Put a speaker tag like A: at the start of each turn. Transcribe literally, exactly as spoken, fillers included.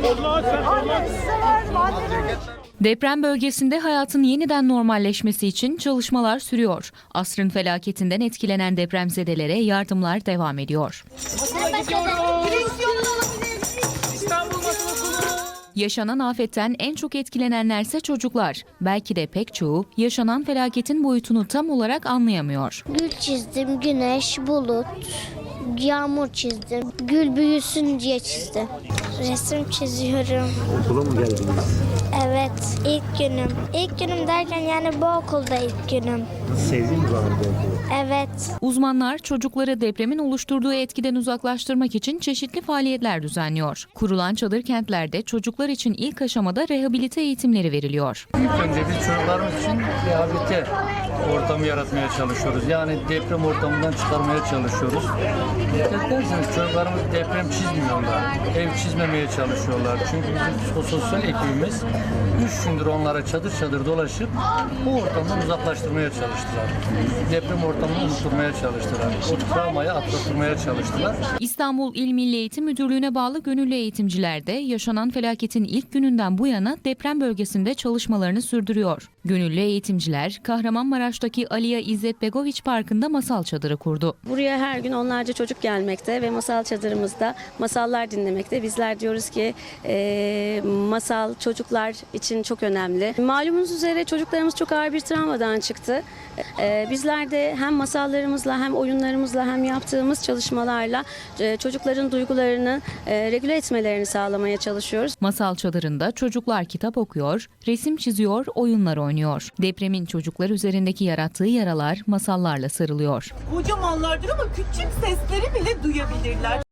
A: Deprem bölgesinde hayatın yeniden normalleşmesi için çalışmalar sürüyor. Asrın felaketinden etkilenen depremzedelere yardımlar devam ediyor. Yaşanan afetten en çok etkilenenlerse çocuklar. Belki de pek çoğu yaşanan felaketin boyutunu tam olarak anlayamıyor.
B: Gül çizdim, güneş, bulut, yağmur çizdim. Gül büyüsün diye çizdim. Resim çiziyorum.
C: Okula mı geldiniz?
B: Evet, ilk günüm. İlk günüm derken yani bu okulda ilk günüm.
C: Sevdin mi bu arada okulu?
B: Evet.
A: Uzmanlar çocukları depremin oluşturduğu etkiden uzaklaştırmak için çeşitli faaliyetler düzenliyor. Kurulan çadır kentlerde çocuklar için ilk aşamada rehabilite eğitimleri veriliyor.
D: İlk önce biz çocuklarımız için rehabilite ortamı yaratmaya çalışıyoruz. Yani deprem ortamından çıkarmaya çalışıyoruz. Dikkat ederseniz çocuklarımız deprem çizmiyorlar. Ev çizmemeye çalışıyorlar. Çünkü bizim sosyal ekibimiz üç gündür onlara çadır çadır dolaşıp bu ortamdan uzaklaştırmaya çalıştılar. Deprem ortamını unutturmaya çalıştılar. O travmayı atlatırmaya çalıştılar.
A: İstanbul İl Milli Eğitim Müdürlüğü'ne bağlı gönüllü eğitimciler de yaşanan felaketin ilk gününden bu yana deprem bölgesinde çalışmalarını sürdürüyor. Gönüllü eğitimciler Kahramanmaraş'taki Aliya İzzet Begoviç Parkı'nda masal çadırı kurdu.
E: Buraya her gün onlarca çocuk gelmekte ve masal çadırımızda masallar dinlemekte. Bizler diyoruz ki e, masal çocuklar için çok önemli. Malumunuz üzere çocuklarımız çok ağır bir travmadan çıktı. E, bizler de hem masallarımızla hem oyunlarımızla hem yaptığımız çalışmalarla e, çocukların duygularını e, regüle etmelerini sağlamaya çalışıyoruz.
A: Masal çadırında çocuklar kitap okuyor, resim çiziyor, oyunlar oynuyor. Depremin çocuklar üzerindeki yarattığı yaralar masallarla sarılıyor.
F: Kocamanlardır ama küçük sesleri bile duyabilirler.